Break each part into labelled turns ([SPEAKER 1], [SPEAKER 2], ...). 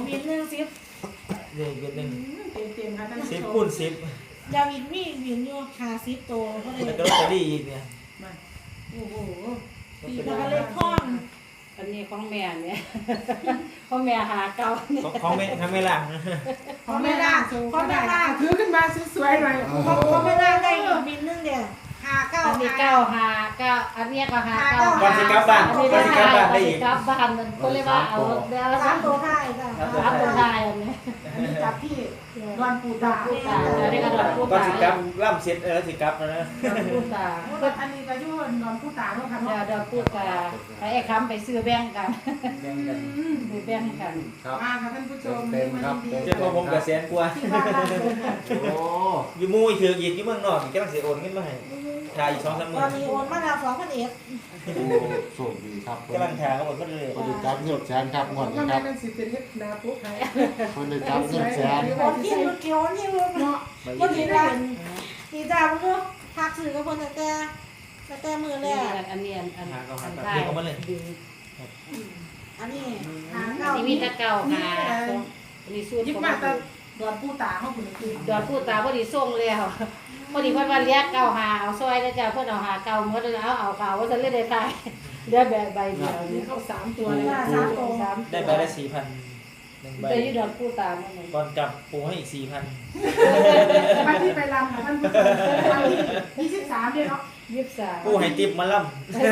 [SPEAKER 1] บินหนึ่ง10
[SPEAKER 2] เด็กเด็ก
[SPEAKER 3] เต็มค่ะท่านผู้ชม
[SPEAKER 2] 10คูณ10
[SPEAKER 1] ยาวินมีบินอยู่50โตก็เลย
[SPEAKER 2] แล้วก็ลอตเตอรี่อีกเนี่ย
[SPEAKER 3] มา
[SPEAKER 1] โอ้โห
[SPEAKER 3] แล้วก็เลขข้องอันนี้ของแม่เนี่ยของแม่หาเก่าเนี่ย
[SPEAKER 2] ของไม่ทำไม่ล่ะ
[SPEAKER 3] ของแม่ล่าของแม่ล่าถือขึ้นมาสวยๆหน่อย
[SPEAKER 1] เขาไม่ได้ได้บินหนึ่งเดียว59
[SPEAKER 3] อันนี้หาเก้าอันนี้ก็หาเก้า
[SPEAKER 2] ก่อนสิกลับบ้าน
[SPEAKER 3] อัน
[SPEAKER 2] ก่
[SPEAKER 3] นี้
[SPEAKER 2] อนสิกลับบ้านได้อีก
[SPEAKER 3] กลับบ้านมันก็เลยว่าเอาเดี๋ยว
[SPEAKER 1] 3ตัวท้ายจ้ะ
[SPEAKER 3] สามตัวท้ายอันนี้
[SPEAKER 4] อันนี้จับที่ดอนปูตา
[SPEAKER 3] พูดตาอันนี้ก็ดอกพูด
[SPEAKER 2] ก่อน
[SPEAKER 3] ตา
[SPEAKER 2] สิกลับล่ำเสร็จสิกลับแล้วนะ
[SPEAKER 3] พูดตา
[SPEAKER 4] อันนี้ก็ยุ่นดอนปูตาเนาะค่ะ
[SPEAKER 3] เดี๋ยว
[SPEAKER 4] เนาะ
[SPEAKER 3] ดอกพูดตาไอ้คำไปซื้อแบ่งกัน
[SPEAKER 2] แบ่งกัน
[SPEAKER 3] ซื้อแบ่งกัน
[SPEAKER 5] ครับ
[SPEAKER 4] มาค่ะท่านผู้ชม
[SPEAKER 5] เต็มครับเต็ม
[SPEAKER 2] เจ้าตัวผมกับแสนกว่า
[SPEAKER 4] ที่บ้านเรา
[SPEAKER 5] โอ้
[SPEAKER 2] อยู่มู่อีกถืออีกที่เมืองนอกอีกกำลังเสียโอนเงินมาให้ถ่ายอีก2-3
[SPEAKER 1] ต
[SPEAKER 2] มื้
[SPEAKER 1] อ
[SPEAKER 2] อน
[SPEAKER 1] นี้โอนมาแล้ว2,000
[SPEAKER 5] โหโชคดีครับ
[SPEAKER 2] กำลังถ่ายเขาหมดก็เลย
[SPEAKER 5] คนได้จับเงินแสนครับงวด
[SPEAKER 4] ก็
[SPEAKER 5] นี้ค
[SPEAKER 4] แม่
[SPEAKER 5] รับ
[SPEAKER 4] เป็นสิเป็นเฮ็ดนาปุ๊บให้
[SPEAKER 5] คนได้จับเงินแสน
[SPEAKER 1] โอนที่รถเกี่ยวนี่รถเนาะบ่ดีได้ดีจ้าบ่รู้ทักซื้อกับเพิ่นแต่มื้อแรก
[SPEAKER 3] อันนี้อัน
[SPEAKER 2] หาเขาหา
[SPEAKER 3] อัน
[SPEAKER 2] เขา
[SPEAKER 3] ท้าย
[SPEAKER 2] เรียกเขามาเลย
[SPEAKER 1] อันนี้
[SPEAKER 3] อันนี้มีตะเก่าหาอันนี้สูตร
[SPEAKER 4] ยิบ
[SPEAKER 3] ของ
[SPEAKER 4] มาแต่ดอนปูตาเฮาพุ่นคือ
[SPEAKER 3] ดอกพูดตาพอดีส่งแล้วพอดีเพิ่นว่าเรียกเก่าหาเอาซอยแล้วจ้ะเพิ่นเอาหาเก่าหมดแล้วเอาเก่าว่าจะเล่นได้ทายเดี๋ยวใบเดียว
[SPEAKER 4] อัน
[SPEAKER 3] นี่
[SPEAKER 4] นี้เข้า3ตัวเลย
[SPEAKER 2] ได้ใบละ4,000 1ใบ
[SPEAKER 3] ได้อยู่ดอกพูดตามัน
[SPEAKER 2] ก่อนกลับปูให้อีก4,000
[SPEAKER 4] มาที่ไปรำค่ะท่านผู้ชมวันที่23เนี่ยเนาะ
[SPEAKER 3] 23
[SPEAKER 2] ปูให้ติปมาล่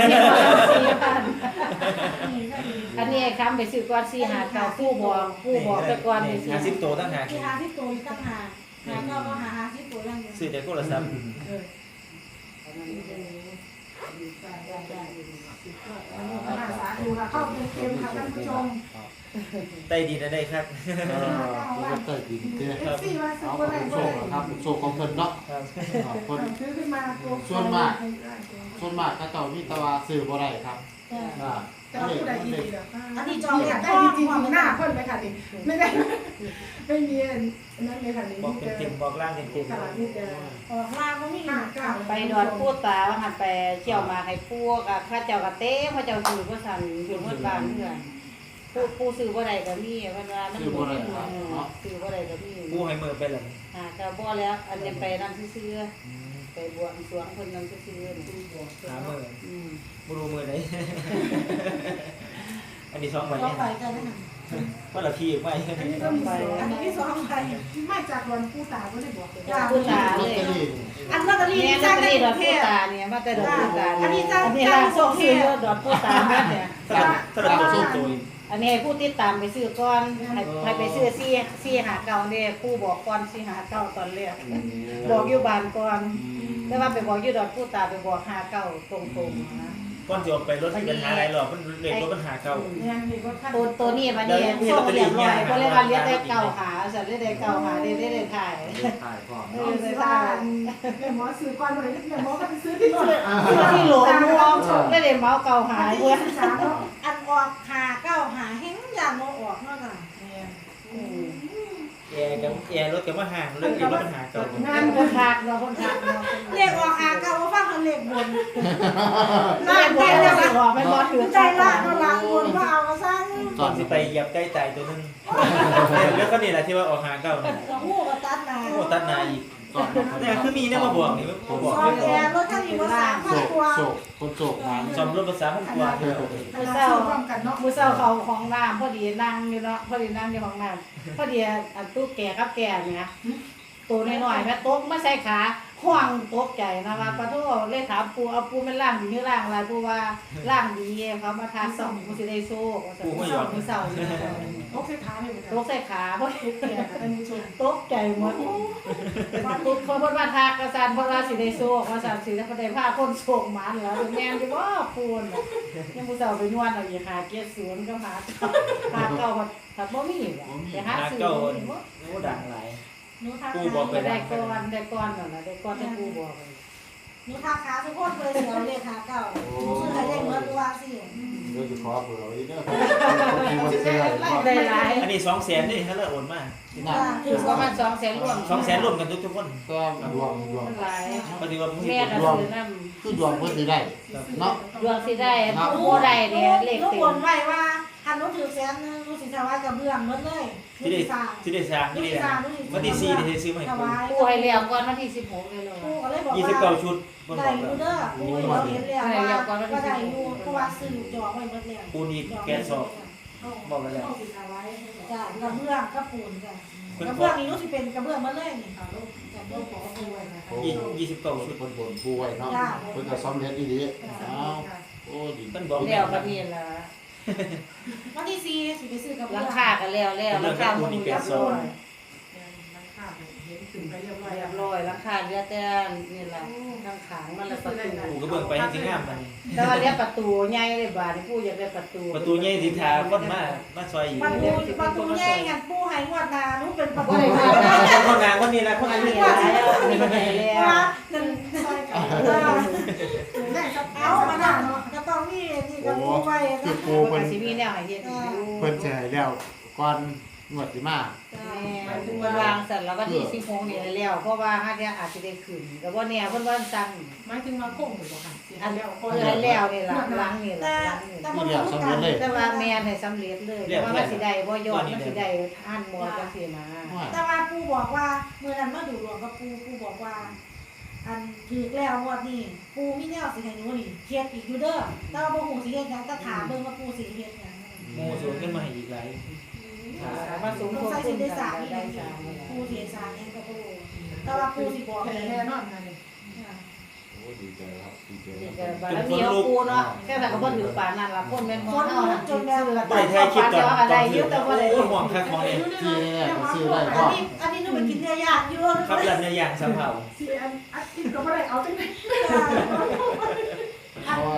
[SPEAKER 3] อันนี้คำไปซื้อก่อน4หาเก่าผู้บอกแต่ก่อนไปซื้อ
[SPEAKER 2] 50ตัวตั้งหาก
[SPEAKER 1] ที่50ตัวอีกต่างหากก็หา50ตัวอย่างเดียว
[SPEAKER 2] ซื้อแต่โทรศัพท์
[SPEAKER 4] สาธุค่ะเข้าเต็มๆค่ะท่านผู้ชม
[SPEAKER 2] ได้ดีนะได้ครับ
[SPEAKER 5] ก็เติร์ดินเตี้ย
[SPEAKER 4] เอฟซีมาซื้อ
[SPEAKER 5] เอา
[SPEAKER 4] บ่ได้
[SPEAKER 5] โช
[SPEAKER 4] บ่
[SPEAKER 5] ค
[SPEAKER 4] ได้
[SPEAKER 5] ครับโชคของเพิ่นเนาะคน
[SPEAKER 4] ซื้อขึ้นมาตัว
[SPEAKER 5] ส่วนมากเขาเจ้ามีตะวาซื้อบ่ได้ครับ
[SPEAKER 4] แต่ว่าผู้ใดดีๆเด้อ
[SPEAKER 1] อันนี้จอง
[SPEAKER 4] อยากได้จริงๆหน้าเพิ่นไปค่ะนี่ไม่ได้ไม่มีอันนั้นเลยค่ะนี่
[SPEAKER 2] บอกเต็มๆบอกล่างเต็ม
[SPEAKER 4] ค่ะนี่จะ
[SPEAKER 1] ออกลาบ่มี
[SPEAKER 3] ไปดอนพูดตาว่าหันไปเที่ยวมาให้พวกข้าเจ้ากะเต้ข้าเจ้าซื้อบ่สั่นอยู่เมื่อบ้านเพื่อนผู้ซื้อบ่ได้ก็มีเพิ่นว่ามันซื้อบ่ได้ก็มี
[SPEAKER 2] ๆปูให้มือไปเลย
[SPEAKER 3] ก็บ่แล้วอันนี้ไปนำซื่อๆไปบวงสรวงเพิ่นนำซื่อๆ
[SPEAKER 2] หามือ
[SPEAKER 3] อืม
[SPEAKER 2] บ่รู้มือไหนอันนี้2ใบ
[SPEAKER 1] ต้องไปกันนะ
[SPEAKER 2] เพราะเราขี้ไม่
[SPEAKER 4] อันนี้ก็มีสอง
[SPEAKER 1] อันนี้2ใบ
[SPEAKER 4] มาจากวันผู้ตาบ่ได้บอกเลย
[SPEAKER 3] พูดตา
[SPEAKER 5] ล
[SPEAKER 3] เล
[SPEAKER 5] อต
[SPEAKER 3] ย
[SPEAKER 5] เตอรี่
[SPEAKER 1] อันลอตเตอรี่
[SPEAKER 3] เนี่ย
[SPEAKER 1] จ้า
[SPEAKER 3] จ้าง
[SPEAKER 1] ได้
[SPEAKER 3] ได้ด
[SPEAKER 1] ด
[SPEAKER 3] อ
[SPEAKER 1] อก ก
[SPEAKER 3] พู
[SPEAKER 1] เท
[SPEAKER 3] ด
[SPEAKER 1] ศ
[SPEAKER 3] ตาเนี่ยมาแต่ดอกพูดตา
[SPEAKER 1] อันนี้จ้าง
[SPEAKER 3] อันนี้ล่างส่งซื้อดอกพูดตามาเนี่ย
[SPEAKER 2] ถ้าเราโชคตัว
[SPEAKER 3] อันนี้ให้ผู้ติดตามไปซื้อก่อนให้ไปซื้อซี่หาเก่าเนี่ยผู้บอกก่อนซี่หาเก่าตอนแรกบอกอยู่บ้านก่อนแต่ว่าไปบอกอยู่ดอกพูดตาไปบอกหาเก่าตรงๆนะ
[SPEAKER 2] ก่อนจะออกไปรถที่ปัญหาอะไรหรอกมันเรียกรถปัญหาเก่า
[SPEAKER 4] เนี่ยนี่ก็ท่าน
[SPEAKER 3] ตัวนี้มันเนี่ยส่งเรียบร้อยก็เลยว่าเรียกได้เก่าหาสัตว์เรียกได้เก่าหาได้ถ่าย
[SPEAKER 5] ถ่ายก่อน
[SPEAKER 4] เอาสิว่าแม่หมอซื้อก่อนบ่ได้แม่หมอก็ไปซื้อที่โน่น
[SPEAKER 3] ซื้อที่หลวงม่วงได้เมาเก่าหา
[SPEAKER 4] ที่
[SPEAKER 3] เพื่อน
[SPEAKER 4] 23เนาะ
[SPEAKER 1] อันออกหาเก้าหาเฮงยานบ่ออกเนาะจ้ะ
[SPEAKER 2] แอร์กับแอร์รถกับมาห่างเรื่องรถปัญหาเก่าง
[SPEAKER 3] านคนทักเนาะคนทักเนาะ
[SPEAKER 1] เลขออกหาเก้าว่าฟังคันเลขบน
[SPEAKER 3] ลาดได้แล้วก็ไม่บอถือ
[SPEAKER 1] ใจละก็ล้างบนว่าเอาก็สร้าง
[SPEAKER 2] ตอนที่ไปเหยียบใกล้ตายตัวนึงเรื่องก็นี่แหละที่ว่าออกหาเก่าเนี่ย
[SPEAKER 1] กระหู้ก็ตัดนา
[SPEAKER 2] โอ้ตัดนาอีกเนี่ยคือมีเนี่ยมาบอกนี่มาบอก
[SPEAKER 1] ซอยแอร์รถคันนี้บ่3,000กว่า
[SPEAKER 5] โชคคนโชคมัน
[SPEAKER 2] ซ่อมรถภาษาพันกว่าเดียว
[SPEAKER 3] มือเศร้ามือเศร้าเขาของน้ำพอดีนั่งอยู่เนาะพอดีนั่งอยู่ของน้ำพอดีอันตู้แก่กับแก่เนี่ยตัวน้อยๆแม่ตกไม่ใส่ขาห่วงตกใจนะว่าปะโทเลยถามปูเอาปูมันล่างดีหรือล่างอะไรปูว่าล่างดีเขามาทาส่องปูสิได้โซ่มือเศร้า
[SPEAKER 4] โอเคขาเลย
[SPEAKER 3] ตกใส่ขาพอดี
[SPEAKER 4] อันนี้ชม
[SPEAKER 3] ตกใจหมดตุกคนว่าทากกระสันเพราะว่าสิได้โซ่กระสันสิได้ได้ผ้าคนโศกมันแล้วแม่นที่ว่าปูนยังผู้สาวไปนวดเอาอย่าหาเกียรติศูนย์ก็หาเก่าถ้าบ่มีแต่หา
[SPEAKER 2] หา
[SPEAKER 3] ซื้อ
[SPEAKER 2] เก่า
[SPEAKER 3] บ่มี
[SPEAKER 2] โอ้ดังหลาย
[SPEAKER 1] หนูทัก
[SPEAKER 2] ปูบอกไป
[SPEAKER 3] ได้ก้อนนั่นน่ะได้ก้อนที่ปูบอก
[SPEAKER 1] หนูทักขาทุกคนเลยสิเอาเลขหาเก้าซื้อให้ได้เหมือนว่าสิ
[SPEAKER 5] เดี๋ยวจะขอเบอร์อีกเด้อที่ว่าเสื้อ
[SPEAKER 3] ได้หลาย
[SPEAKER 2] อันนี้200,000นี่ถ้าเราโอนมา
[SPEAKER 5] น่ะ
[SPEAKER 3] คือประมาณ200,000รวม
[SPEAKER 2] 200,000รวมกันทุกคน
[SPEAKER 5] ก็ดวง
[SPEAKER 3] หลาย
[SPEAKER 2] ปฏิวัติ
[SPEAKER 3] แม่ก็ซื้อนำ
[SPEAKER 5] คือดวงเพิ่นสิได้เนาะ
[SPEAKER 3] ดวงสิได้ผู้ได้เนี่ยเลข
[SPEAKER 1] ลูก
[SPEAKER 3] เต็
[SPEAKER 1] บ
[SPEAKER 3] ม
[SPEAKER 1] นไว้ว่าคันนู้นถือแสนนึงรู้สิถวายกับเบื้องหมดเลยรู้สิสร้าง
[SPEAKER 2] ที่ได้สร้างที่ได้วันที่4ได้ซื้อมาให้
[SPEAKER 1] ถ
[SPEAKER 2] ปู
[SPEAKER 1] วาย
[SPEAKER 3] ปูให้แล้วก่อนวันที่16เลยเนาะ
[SPEAKER 1] ปูก็เลยบอก
[SPEAKER 2] 29ชุดบนบ
[SPEAKER 1] ได้
[SPEAKER 2] อก
[SPEAKER 1] อยู่
[SPEAKER 2] แล้ว
[SPEAKER 1] เด้อปูเราเห็นแล้วว่าก็ได้อยู่เพราะว่าซื้อจองไว้หมดแล้ว
[SPEAKER 2] ปูนี่แกนสอบบอกกันแล้ว
[SPEAKER 1] จ้ะกระเบื้องกระปูนจ้ะกระเบื้องนี่รู้สิเป็นกระเบื้องหมดเลยนี่ค่ะลูกกระเบื้องของปูนะคะ
[SPEAKER 2] 29ชุด
[SPEAKER 5] คนบนป่วยเนาะเพิ่นก็ซ้อมเฮ็ดอีหลีอ้าวโอ้ดี
[SPEAKER 2] เพิ่นบอก
[SPEAKER 3] แล้วก็นี่ล่ะ
[SPEAKER 1] วันที่4สิไปซื้อกระ
[SPEAKER 3] ห
[SPEAKER 1] เบื้
[SPEAKER 3] ลั
[SPEAKER 1] อง
[SPEAKER 3] คาก็แล้วหลังคามันเรียบร้อย
[SPEAKER 4] เห็นถึงไปเรียบร้อย
[SPEAKER 3] เรียบร้อยหลังคาเหลือแต่นี่ล่ะข้างขางมันละประตู
[SPEAKER 2] ปูก็เบิ่งไปให้สิงามมัน
[SPEAKER 3] แต่ว่าเรียกประตูใหญ่เลยบาดนี่ปูอยากได้ประตู
[SPEAKER 2] ประตูใหญ่สิทาคนมาซอยอยู่
[SPEAKER 1] ประตูแย่งกันปูให้งวดหน้าหนูเป็นประตู
[SPEAKER 2] คนนางคนนี้นะคน
[SPEAKER 3] อัน
[SPEAKER 2] นี้
[SPEAKER 3] นี้แล้วอันนี้แล้ว
[SPEAKER 1] ว่านั่นซอยกัน
[SPEAKER 4] ได้สัก
[SPEAKER 1] เอามาหน้าเนาะก็ต้องมีนี่ก็ปูไว้
[SPEAKER 5] คือ
[SPEAKER 1] นะ
[SPEAKER 5] ปู
[SPEAKER 3] เพิ่
[SPEAKER 5] เพิ่
[SPEAKER 3] น
[SPEAKER 5] น
[SPEAKER 3] สิมีแนวให้เฮ็ดอยู่
[SPEAKER 5] เพิ่นสิให้แล้วก่อนงวดสิมา
[SPEAKER 3] แม่ถึงวันวางเสร็จแล้ววันที่16นี่แล้วเพราะว่าหาเที่ยอาจสิได้ขึ้นก็บ่แน่เพิ่นว่าสั่ง
[SPEAKER 4] หมายถึงว่าโค้งหรือเปล่าค่ะ
[SPEAKER 3] อันแล้วเพิ่นให้แล้วนี่ล่ะหลังนี่ล่ะ
[SPEAKER 1] แต่
[SPEAKER 3] หลังนี่
[SPEAKER 1] แต่บ่รู้กัน
[SPEAKER 3] แต่ว่าแม่นให้สำเร็จเลยเพราะว่ามันสิได้บ่ยอดมันสิได้ท่านบ่จังซี่นะ
[SPEAKER 1] แต่ว่าปูบอกว่าเมื่อนั้นมาดูหลวงกับปูบอกว่า อันถือแล้วงวดนี้ปูมีแนวสิให้หนูนี่เฮ็ดอีกอยู่เด้อแต่ว่าบ่ฮู้สิเฮ็ดหยังแต่ถามเบิ่งว่าปูสิเฮ็ดหยัง
[SPEAKER 2] โมสวนขึ้นมาให้อีกหลาย
[SPEAKER 3] มาสม
[SPEAKER 1] ต้อง
[SPEAKER 3] ทบ
[SPEAKER 1] ใช้
[SPEAKER 3] ทุ
[SPEAKER 1] สิ
[SPEAKER 3] น
[SPEAKER 1] ได้
[SPEAKER 3] กั
[SPEAKER 1] สร้าง
[SPEAKER 3] น
[SPEAKER 1] อีก
[SPEAKER 3] ได้สร้าง
[SPEAKER 1] ปูสิสร้างหยังก็บ่รู้แต่ว่าปูสิบอก
[SPEAKER 4] แค่
[SPEAKER 1] เอง
[SPEAKER 4] แน่นอนนะนี่
[SPEAKER 5] โอ้ดีใจครับดีใจ
[SPEAKER 3] นี่
[SPEAKER 5] ค
[SPEAKER 3] ก็
[SPEAKER 5] รับ
[SPEAKER 3] บารมีของปูเนาะแค่นั้นก็บ่ถือปานนั้นล่ะคนแม่นบ่เฮาจนแล้ว
[SPEAKER 2] บ่ได้ถ่ายคลิปตอน
[SPEAKER 3] ก็ได้อยู่แต่บ่ได้
[SPEAKER 2] โอ้ห่วงคักของนี่
[SPEAKER 5] ที่แรกก็ซื้อได้
[SPEAKER 1] อั
[SPEAKER 5] ก็
[SPEAKER 1] นนี้หนูไปกินเนื้อย่างอยู่
[SPEAKER 2] ครับรันในอย่างสำเภา
[SPEAKER 4] ที่อัดกินก็ไม่ได้เอาจังไหน
[SPEAKER 5] เพราะว่า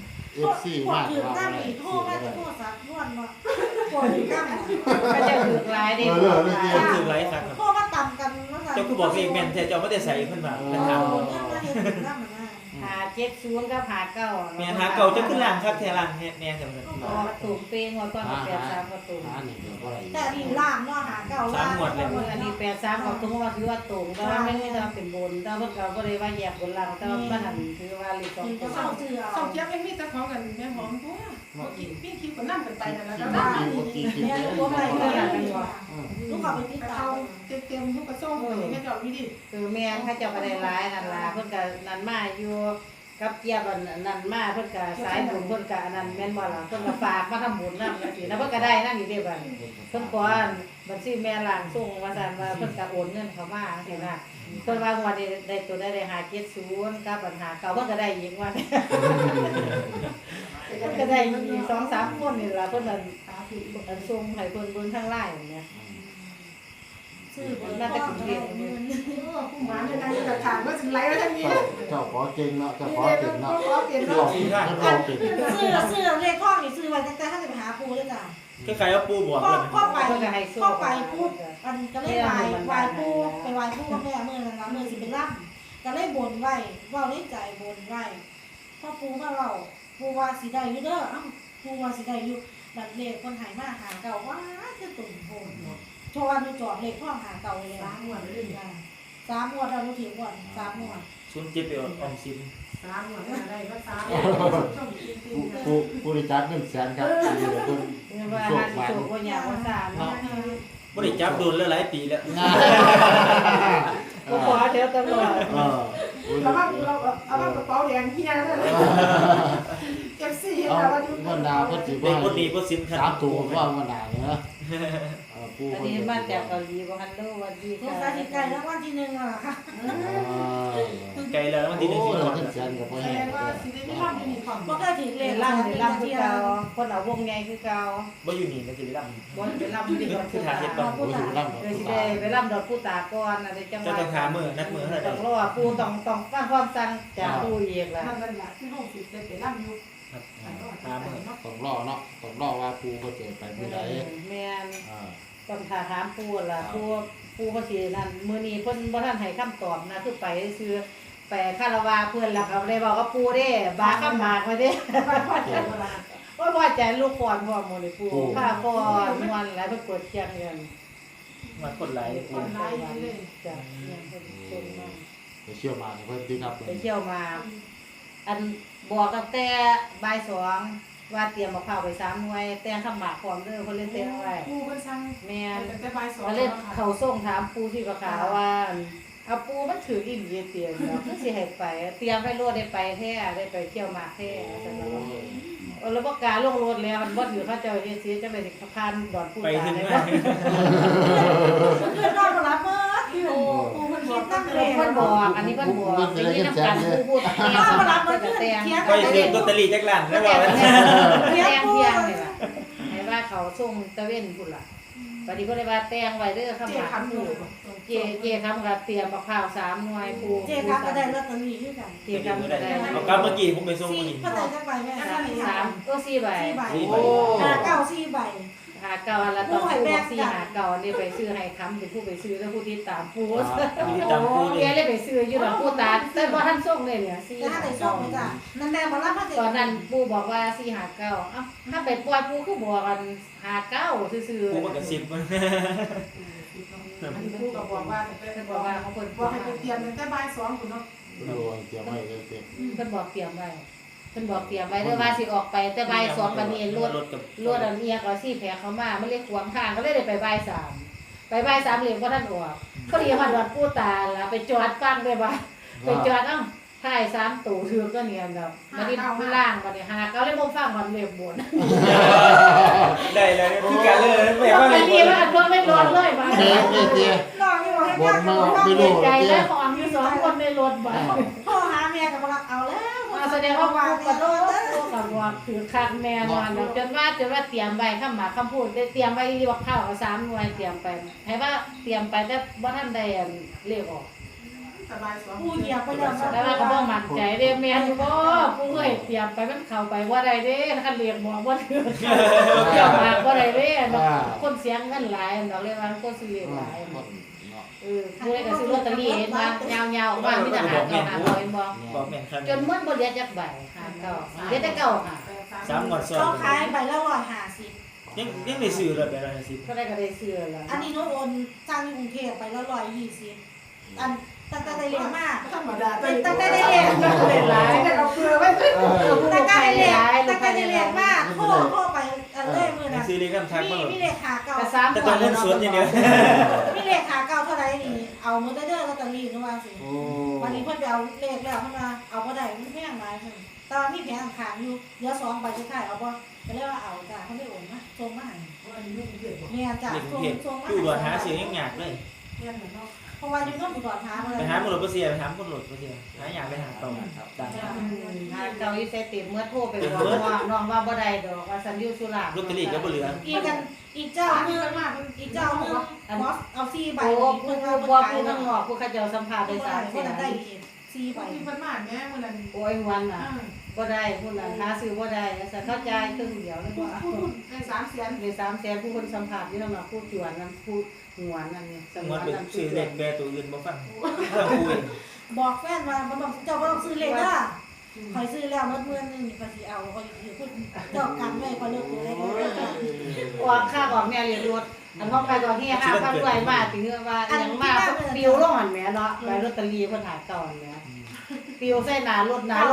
[SPEAKER 5] FC
[SPEAKER 1] ปว
[SPEAKER 5] มา
[SPEAKER 1] ด
[SPEAKER 5] ก
[SPEAKER 1] ถือ
[SPEAKER 5] ว่า
[SPEAKER 1] ตั้ง
[SPEAKER 5] อะไร
[SPEAKER 1] อีกโทษ
[SPEAKER 5] ซื้อ
[SPEAKER 1] มา
[SPEAKER 5] ได้
[SPEAKER 1] จะโทษสักนวลเนาะปวดถือตั้ง
[SPEAKER 3] ก็จะถือหลายเด้
[SPEAKER 2] คนถือไรครับ
[SPEAKER 1] โทษมาต่ำกันว่า
[SPEAKER 2] เจ้าคือบอกเลขแม่นแต่เจ้าไม่ได้ใส่ขึ้นมาเป็นทาง
[SPEAKER 3] หา70กับหา9
[SPEAKER 2] แม่หาเก่าจะขึ้นล่างครับแทล่างแน่จังเลย
[SPEAKER 3] ประตูเป้งว่าก่อน83ประตู
[SPEAKER 5] หานี่เดี๋ยวบ่ได้
[SPEAKER 1] แต่ดีล่างเนาะหาเก่าล่าง
[SPEAKER 3] อันนี้83ก็ถือว่าตรงแต่ว่าไม่ได้เป็นบนแต่เพิ่นก็บ่ได้ว่าแยกบนล่างแต่ว่ามันถือว่าเลข2
[SPEAKER 1] ก็
[SPEAKER 3] ตัว
[SPEAKER 1] เข้าเสือ
[SPEAKER 4] สองเทียบไม่มีแต่ของกันแม่หอมตัวกินพี่คิดก็นั่งกันไปนั่นแหละ
[SPEAKER 5] กิ
[SPEAKER 4] ก็
[SPEAKER 5] น
[SPEAKER 4] ได้
[SPEAKER 5] กินกิน
[SPEAKER 1] เนี่ย
[SPEAKER 5] กิน
[SPEAKER 1] ลูกไปลูกขอไปพิ
[SPEAKER 4] ไป
[SPEAKER 1] จาร
[SPEAKER 4] เอา
[SPEAKER 1] ณา
[SPEAKER 4] เต็มทุกกระซ่องเลยแม่เจ้าพี่ดิ
[SPEAKER 3] คือแม่นเขาเจ้าก็ได้หลายนั่นล่ะเพิ่นก็นั่นมาอยู่กับเกียบอันนั้นมาเพิ่นก็สายบุญเพิ่นก็อันนั้นแม่นบ่ล่ะเพิ่นก็ฝากมาทำบุญนำจังซี่นะเพิ่นก็ได้นั่นอยู่เด้บัดเพิ่นขอบัญชีแม่ล่างส่งว่าซั่นว่าเพิ่นก็โอนเงินเข้ามาจังซี่นะเพิ่นว่างวดนี้ได้ตัวได้570กับปัญหาเก่าเพิ่นก็ได้อีกว่าเพิ่นก็ได้อีก2-3คนนี่ล่ะเพิ่นอันส่งให้เพิ่นเบิ่งทาง LINE เนี่ย
[SPEAKER 1] ซื้อบนน่าจะถึงเรียน
[SPEAKER 4] ผู้หมาในการจะถามว่าถึงไรแล้วท่านนี้
[SPEAKER 5] เจ้าขอเก่งเนาะเจ้าขอ
[SPEAKER 4] นี่
[SPEAKER 5] เก่ง
[SPEAKER 4] ก็
[SPEAKER 5] เนาะ
[SPEAKER 4] ขอเปลี่ยน
[SPEAKER 5] เจ้า
[SPEAKER 4] เนาะ
[SPEAKER 5] ขอเก่ง
[SPEAKER 1] ซื้อเลขข้องนี่ซื้อไว้ตั้งแต่ถ้าจะไปหาปูเลยจ้ะ
[SPEAKER 2] คล้ายๆว่าปูบอก
[SPEAKER 1] ข้อ
[SPEAKER 2] เลย
[SPEAKER 1] ข้อไปข้อไปปูอันก็เลยไหวปูไปไหวปูกับแม่เมื่อนั้นเมื่อสิเป็นล่ำก็เลยบนไว้ว่าในใจบนไว้พ่อปูมาเราปูว่าสีได้อยู่เด้ออ้าวปูว่าสีได้อยู่แบบเลขคนหายมาหาเก่าว่าจะตุ่มโผล่โชว์วันดูจอดเลขข้องหาเก่าเลย3 งวดเลย3 งวดเราถือก่อน3 งวด
[SPEAKER 2] ชุนเจ็บไปออมสิน
[SPEAKER 4] 3 หัวอะไรก็3ช่องกินกิน
[SPEAKER 5] ผู้ได้จัดเงินแสนครับดีเลยเพิ่น
[SPEAKER 3] เนี่ยว่าหาสิโชคบ่ยากว่าซ่าเนาะ
[SPEAKER 2] บ่ได้จับโดนแล้วหลายปีแล้ว
[SPEAKER 5] ง่าย
[SPEAKER 3] ก็ขอเดี๋ยวตลอด
[SPEAKER 4] เราว่าเราเอาว่ากระเป๋าแดงเฮียเลยเก็บซี่
[SPEAKER 5] เอา
[SPEAKER 4] เราว่าอยู่
[SPEAKER 5] เงินดาวเพิ่นสิ
[SPEAKER 2] เด็กคนนี้ก็สินคัน
[SPEAKER 5] 3ตัวว่ามันดาวเนาะปู
[SPEAKER 3] อัน
[SPEAKER 5] เพิ่น
[SPEAKER 3] นี้มาจากเกาหลีบ่ฮัลโหลสวัสดี
[SPEAKER 1] ลูก
[SPEAKER 3] ค่ะ
[SPEAKER 1] ชายที่ไกลแล้ววันที่1อ่ะค่ะ
[SPEAKER 2] ไกลแล้ววันที่1
[SPEAKER 5] โอ้
[SPEAKER 2] ที่
[SPEAKER 5] ย
[SPEAKER 2] ก่อน
[SPEAKER 5] เงินแสนก็บ่
[SPEAKER 4] แส
[SPEAKER 5] แห้
[SPEAKER 4] ด
[SPEAKER 5] ง
[SPEAKER 4] งว่าสิได้ไม่รอดอยู่นี่ของ
[SPEAKER 1] บ่เคยถือเล
[SPEAKER 3] เล่
[SPEAKER 1] ข
[SPEAKER 3] นล่ำคือเก่าคนเอาวงใหญ่คือเก่า
[SPEAKER 2] บ่อยู่นี่ก็สิได้ล
[SPEAKER 3] บ่เป็นล่ำที่ดอกผู้ตา
[SPEAKER 5] โอ้ยอยู่ลำ
[SPEAKER 3] เลยสิได้ไปล่ำดอกผู้ตาก่อนอะไรจังห
[SPEAKER 2] เจ้าว
[SPEAKER 3] ะ
[SPEAKER 2] ต้องหามือนัดมือเท่าไหร่
[SPEAKER 3] ต้องรอปูต้องฟังความสั่งจากปูอีกล่ะ
[SPEAKER 4] นั่นแหละที่ห้องสิได้ไปร่ำอยู่
[SPEAKER 2] ครับหามือ
[SPEAKER 5] ต้องรอเนาะต้องรอว่าปูเขาจะไปมื้อใด
[SPEAKER 3] แม่น
[SPEAKER 5] อ่า
[SPEAKER 3] ต้องถามปูล่ะปูภาษีนั่นมื้อนี้เพิ่นบ่ทันให้คำตอบนะคือไปซื้อไปคารวาเพิ่นแล้วก็ได้บอกว่าปูเด้บาคำหมากไว้เด้
[SPEAKER 4] พ่อเจ้าเวลา
[SPEAKER 3] ว่าพ่อใจลูกก่อนพ่อหมดเลยปูข้าก่อนวันแล้วเพิ่นเปิดเที่ยงกัน
[SPEAKER 2] มาคนหลายปู
[SPEAKER 4] คนร้ายเลย
[SPEAKER 3] จ้ะเนี่ยเพิ่นชวนมา
[SPEAKER 5] ไปเชี่ยวมาเพิ่นที่ครับ
[SPEAKER 3] ไปเที่ยวมา อันบอกตั้งแต่บ่าย2 ว่าเตรียมมะพร้าวไป3หน่วยแต่งข้าวหมากพร้อมเด้อเพิ่นเลยเตรียมไว้
[SPEAKER 4] ปูเพิ่นสั่ง
[SPEAKER 3] แม่น
[SPEAKER 4] แต่บ่าย2
[SPEAKER 3] ว่าเล่นเขาส่งถามปูที่ประขาวว่าเอาปูมันถืออีหลีเตรียมเนาะคือสิให้ไปเตรียมไว้โลดได้ไปแท้ได้ไปเที่ยวหมากแท้ซั่นเนาะแล้วบ่กล้าลงรถแล้วมันบ่อยู่เขาเจ้าเฮ็ดสิจังได๋สิพานดอนปู
[SPEAKER 2] ไป
[SPEAKER 3] ตา
[SPEAKER 2] ถึง
[SPEAKER 3] ได้
[SPEAKER 2] มา
[SPEAKER 3] บ่
[SPEAKER 1] เพื่อนนอนมารับเมื่อที่ปูมันคิดตั้งเลย
[SPEAKER 3] เพิ่นบอกอันนี้เพิ่นบอกอย่างนี้นำกันปูพูดแม่มารับเพิ่นก็แต่ง
[SPEAKER 2] ไปถึงลอตเตอรี่จักล้านแล้วว่า
[SPEAKER 3] เที่ยงนี่ล่ะให้ว่าเขาส่งตะเว้นพุ่นล่ะบัดนี้เพิ่นเลยว่าแต่งไว้เด้อคำ
[SPEAKER 4] เจ๊
[SPEAKER 3] ว่า
[SPEAKER 4] ขันปู
[SPEAKER 3] เจคำก็เตรียมมะพร้าว3หน่วยปู
[SPEAKER 1] เจ๊ครับก็ได้ลอตเตอรี่ด้วยกัน
[SPEAKER 3] เจคำก็ได้
[SPEAKER 2] เอากลับเมื่อกี้ผมไปส่ง
[SPEAKER 1] สี่
[SPEAKER 2] มื้อนี้
[SPEAKER 1] ก็ได้จักใบแม่
[SPEAKER 3] 3ก็4ใบ
[SPEAKER 1] 4ใบ
[SPEAKER 2] 4ใบ
[SPEAKER 1] เก้า4ใบ
[SPEAKER 3] หาเก่าแล้วตอนปูบอก4หาเก่านี่ไปซื้อให้คำเป็นผู้ไปซื้อแล้วผู้ที่ตามปู
[SPEAKER 2] มีตามปู
[SPEAKER 3] แกเลยไปซื้ออยู่ดอกปูตาแต่บ่ทันส่งเลยเนี่ย4
[SPEAKER 1] แต่ถ้า
[SPEAKER 3] หา
[SPEAKER 1] ได้ส่
[SPEAKER 3] เก่าง
[SPEAKER 1] ไปจ้ะนั่นแม่มารับมา
[SPEAKER 3] ตอนนั้นปูบอกว่า4หาเก่าเอ้าถ้าไปปล่อยปูคือบอกกันหาเก่าซื่อๆ
[SPEAKER 2] ปูมันก็10มัน
[SPEAKER 4] อันนี้ปูก็บอกว่าแต่
[SPEAKER 3] เพิ่น
[SPEAKER 4] เป็น
[SPEAKER 3] บบ อ
[SPEAKER 4] อก ก
[SPEAKER 3] ว่า
[SPEAKER 4] ว่า
[SPEAKER 3] เขาเพิ่น
[SPEAKER 4] บอกให้ไปเตรียมตั้งแต่บ่าย2พุ่นเนาะ
[SPEAKER 5] ดูเกี่ยวไว้เลยเต็ม
[SPEAKER 3] เพิ่นบอกเตรียมไว้เพิ่นบอกเตรียมไว้เด้อว่าสิออกไปแต่บ่าย2บัดนี้รถ
[SPEAKER 2] กับ
[SPEAKER 3] รถอันเอียก็สิแผลเข้ามามันเลยขวางทางก็เลยได้ไปบ่าย3ไปบ่าย3เลยบ่ทันออกพอดีฮอดวัดปู่ตาล่ะไปจอดฟังได้บ่ไปจอดเอ้าท้าย3ตู่ถือก็เนียนดอกบัดนี้ล่างบัดนี้หาก็เลยบ่ฟังมันเรียบบน
[SPEAKER 2] ได้เลยคือกันเลยแม่
[SPEAKER 3] ก็
[SPEAKER 2] ว่า
[SPEAKER 3] ไม่มีว่าอันตัวไม่รถเลยบ่
[SPEAKER 5] เจ๊เจ๊
[SPEAKER 1] น้องนี่บอกให้
[SPEAKER 5] บนมาไม่
[SPEAKER 3] เสี
[SPEAKER 5] รู้
[SPEAKER 3] ยใจ
[SPEAKER 5] เจ๊
[SPEAKER 3] แล้วของอยู่2คนในรถบ่
[SPEAKER 1] พ่อหาเมียกับมาเอาแล้ว
[SPEAKER 3] แสดงว่าปูกระโดดตัวกับว่าถือคักแน่นอนจนว่าเตรียมไว้คำหมายคำพูดได้เตรียมไว้ที่ว่าข้าว3หน่วยเตรียมไปให้ว่าเตรียมไปแต่บ่ทันได้เลขออก
[SPEAKER 4] แต่บ่าย2
[SPEAKER 1] ผู้เหยียบไปแล้ว
[SPEAKER 3] แต่ว่าก็บ่มั่นใจเด้แม่นอยู่บ่ผู้เอ้ยเตรียมไปมันเข้าไปบ่ได้เด้คันเรียกบอกบ่ถือเตรียมมาบ่ได้เด้คนเสียเงินหลายดอกเลยว่าคนซื้อหลายผู้ใดก็ซื้อลอตเตอรี่เห็นว่ายาวๆว่ามีแต่หาเก่าหาเก่าเห็นบ่
[SPEAKER 2] บอกแม่นครับ
[SPEAKER 3] จนหมดบ่เหลือจักใบหาเก่าเหลือแต่เก่าค่ะ
[SPEAKER 2] 3งวดซ้อน
[SPEAKER 1] เขาขายใบละ150
[SPEAKER 2] ยังได้ซื้อเลยไปแล้ว10
[SPEAKER 3] ก็ได้ก็ได้ซื้อแล้ว
[SPEAKER 1] อันนี้โน้ตโอนจ้างที่กรุงเทพไปละ120อันตั้งแต่ได้เรียนมาก
[SPEAKER 4] ธรรมดา
[SPEAKER 1] ตั้งแต่ได้เรียน
[SPEAKER 3] เป็นหลาย
[SPEAKER 4] แต่เอาเกลือไว้
[SPEAKER 1] ตั้งแต่ได้เรียนตั้งแต่ได้เรียนมากโทรไปอันเล่มือนะ
[SPEAKER 2] ซื้อเลขนำทางมา
[SPEAKER 1] มีเลขาเก่า
[SPEAKER 3] แต่3
[SPEAKER 2] แต่ต้องเงินสดอย่างเดียว
[SPEAKER 1] มีเลขาเก่าเท่าไรนี่เอามือเด้อลอตเตอรี่นึกว่าสิ
[SPEAKER 5] โอ้
[SPEAKER 1] วันนี้เพิ่นไปเอาเลขแล้วเพิ่นมาเอาบ่ได้มันแพงหลายเพิ่นตอนมีแผงขางอยู่เหลือ2ใบสุดท้ายเอาบ่ก็เลยว่าเอาจ้ะเพิ่นได้โอนมาส่งมาให้แม่จ้ะ
[SPEAKER 2] เด็กกรุงเทพ
[SPEAKER 1] ส่งมา
[SPEAKER 2] อยู่ด่วนหาซื้อยังยากเลย
[SPEAKER 1] เพราะว่าอยู่ต้องตรวจหาบ่
[SPEAKER 2] ไป
[SPEAKER 1] ได้
[SPEAKER 2] หาหมดรถบ่เสียไปหาคนรถบ่เสียหาอยากไปหาต่อครับได้
[SPEAKER 3] หาเก่าอยู่เสติเมื่อโทรไปบอกว่าน้องว่าบ่ได้ดอกว่าสันอยู่สุรา
[SPEAKER 2] ลอตเตอรี่ก็บ่เหลือ
[SPEAKER 1] อีกเจ้านึงอีกเจ้านึงบอสเอา4ใบ
[SPEAKER 3] โอ้
[SPEAKER 1] เพิ่น
[SPEAKER 3] ผู้
[SPEAKER 1] ว่า
[SPEAKER 3] บ่
[SPEAKER 1] บ่
[SPEAKER 3] ผู้
[SPEAKER 1] ขาย
[SPEAKER 3] ข้างนอกผู้เขาเจ้าสัมภาษณ์ได้
[SPEAKER 1] ได้
[SPEAKER 3] 3
[SPEAKER 1] เพิ่นได้อีก4ใบ
[SPEAKER 4] มีเพิ่นมาแม่มื้อนั้น
[SPEAKER 3] โอ้ยวันน่ะบ่ได้ผู้นั้นหาซื้อบ่ได้สันเข้าใจครึ่งเดียวเลยว่า
[SPEAKER 4] พูดให้3เสียน
[SPEAKER 3] ใน300,000ผู้คนสัมภาษณ์อยู่นำผู้จวนนั้นผู้หวนนั่นนี่ส
[SPEAKER 2] ง
[SPEAKER 3] ม
[SPEAKER 2] ว
[SPEAKER 3] ว
[SPEAKER 2] ด
[SPEAKER 3] น
[SPEAKER 2] เป็น
[SPEAKER 3] นั้น
[SPEAKER 2] ซื้อเลขแปรตัวอื่นบ่ฟังฟังคุย
[SPEAKER 1] บอกแฟนว่าบ่ต้องเจ้าบ่ต้องซื้อเลขเด้อข่อยซื้อแล้วมื้อนึงนี่ข่อยสิเอาข่อยสิพูดเจ้ากันไว้ข่อยเลิกเลย
[SPEAKER 3] ออกค่าออกแม่เรียนรถอันห้องไปก็เฮีย5,000ด้วยมาติเฮือว่ายังมาปิวลงหั่นแหมเนาะใบลอตเตอรี่เพิ่นหาเก่าหั่นแหมปิวใส่หน้ารถ259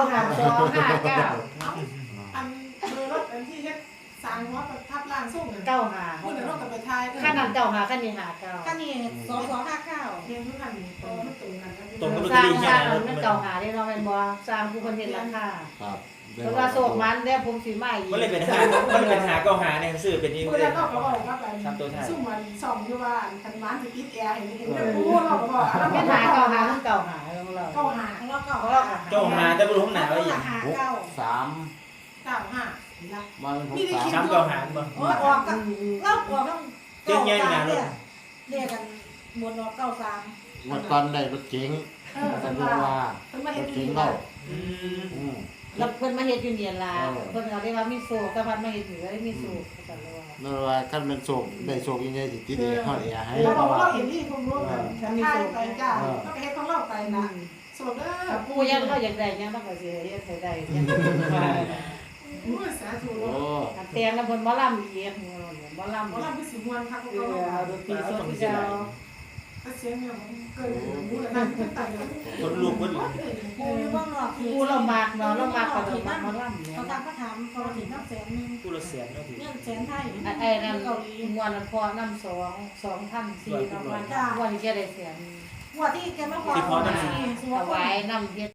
[SPEAKER 4] อันเบอร์รถอันที่เฮ็ดสร้างหัวประทับร่างทรงนั่น
[SPEAKER 3] 95
[SPEAKER 4] ผู้นั้นเราก็ไปทาย
[SPEAKER 3] คันนั้นเจ้าหาคันนี้หาเก่า
[SPEAKER 1] คันนี้2259
[SPEAKER 4] เรียนทุกอันนี่ตรงตรงนั้น
[SPEAKER 2] ตรงกับลอต
[SPEAKER 3] ส
[SPEAKER 2] เตอ
[SPEAKER 3] ร้าง
[SPEAKER 2] รี่
[SPEAKER 3] ส
[SPEAKER 2] แค่
[SPEAKER 3] ร้าง
[SPEAKER 2] นั้น
[SPEAKER 3] มันเก่าหาได้เนาะแม่นบ่สร้างผู้คนเฮ็ดราคา
[SPEAKER 5] ครับ
[SPEAKER 3] เพราะว่าโศกมันได้ผมสิมาอีก
[SPEAKER 2] มันเลยเป็นหาก็หาเนี่ยซื้อเป็นนี่
[SPEAKER 4] ผู้
[SPEAKER 2] เล
[SPEAKER 4] นั้
[SPEAKER 2] ย
[SPEAKER 4] นเราก็บอกว่าไปซุ่มมันส่องอยู่ว่าคันมันสิติดแอร์ให้เห็นแต่ผู้เราก็บอก
[SPEAKER 3] เป็นหาเก่าหาทั้งเก่าหาของเรา
[SPEAKER 4] เข้าหา
[SPEAKER 1] ของเราเก่า
[SPEAKER 3] ของเรา
[SPEAKER 2] เจ้าหาแต่บ่รู้ของหนาไว้อย่าง
[SPEAKER 1] หา
[SPEAKER 5] หก
[SPEAKER 1] เก่า
[SPEAKER 5] สาม
[SPEAKER 4] 95นะ
[SPEAKER 5] วันหกสาม
[SPEAKER 2] ซ้ำก็หาบ่
[SPEAKER 1] โอ้ออกกับเราออกต้องเก่า3เนี่ยเรียกกันบนออก93
[SPEAKER 5] วันก่อนได้รถเก๋ง
[SPEAKER 4] เพิ่
[SPEAKER 5] สั
[SPEAKER 4] น
[SPEAKER 5] น
[SPEAKER 4] ว่า
[SPEAKER 5] ว่า
[SPEAKER 4] เพิ่นมาร เฮ็ด
[SPEAKER 5] ถ
[SPEAKER 4] อยู่
[SPEAKER 5] เก๋ง
[SPEAKER 4] นี่
[SPEAKER 5] เรา
[SPEAKER 2] อืม
[SPEAKER 5] อืม
[SPEAKER 3] แล้วเพิ่นมาเฮ็ดอยู่เนี่ยล่ะเพิ่นก็ได้ว่ามีโศกกับพันมาเฮ็ดอยู่ได้มีโศกกันเลยว่า
[SPEAKER 5] นั่นว่าคันเป็นโศกได้โศกยังไงสิติดเอฮอดเอให้
[SPEAKER 4] เรา
[SPEAKER 5] เพ
[SPEAKER 4] บอก
[SPEAKER 5] ราะ
[SPEAKER 4] ว่า
[SPEAKER 5] ว่า
[SPEAKER 4] เราเห็นนี่ผมรู้กันทายไปจ้าก็ไปเฮ็ดของเราไปนะสวดเด้อ
[SPEAKER 3] ผู้ยังเราอยากได้ยังต้องก็สิเฮ็ดให้ได้ยัง
[SPEAKER 4] อู้สาธุ
[SPEAKER 5] โอ้
[SPEAKER 3] อันแต่งแล้วเพิ่นบ่ล่ำอีกหมอล่ำ
[SPEAKER 4] บ่ล่ะคือสิม่วนคัก
[SPEAKER 3] เออเอาดนตรีสดที่เจ้า
[SPEAKER 4] เสียงเนี่ยเกินหูแล้วนั่งก็ตายแล้ว
[SPEAKER 2] คนลูกคน
[SPEAKER 1] ปูอยู่เบื้องนอก
[SPEAKER 3] กูเรามากเนาะเรามากกับเรามากมาล่ำเนี่ย
[SPEAKER 1] เขาตามเขาถามเขาถึงนับแสนนึง
[SPEAKER 2] ผู้ละแสนก็ถือ
[SPEAKER 1] เงินแสนไทย
[SPEAKER 3] ไอ้นั่นมวนพอน้ำ2,400วันวันที่จะได้เสียง
[SPEAKER 1] หัวที่แกมาขอ
[SPEAKER 3] ถวายน้ำเฮ็ด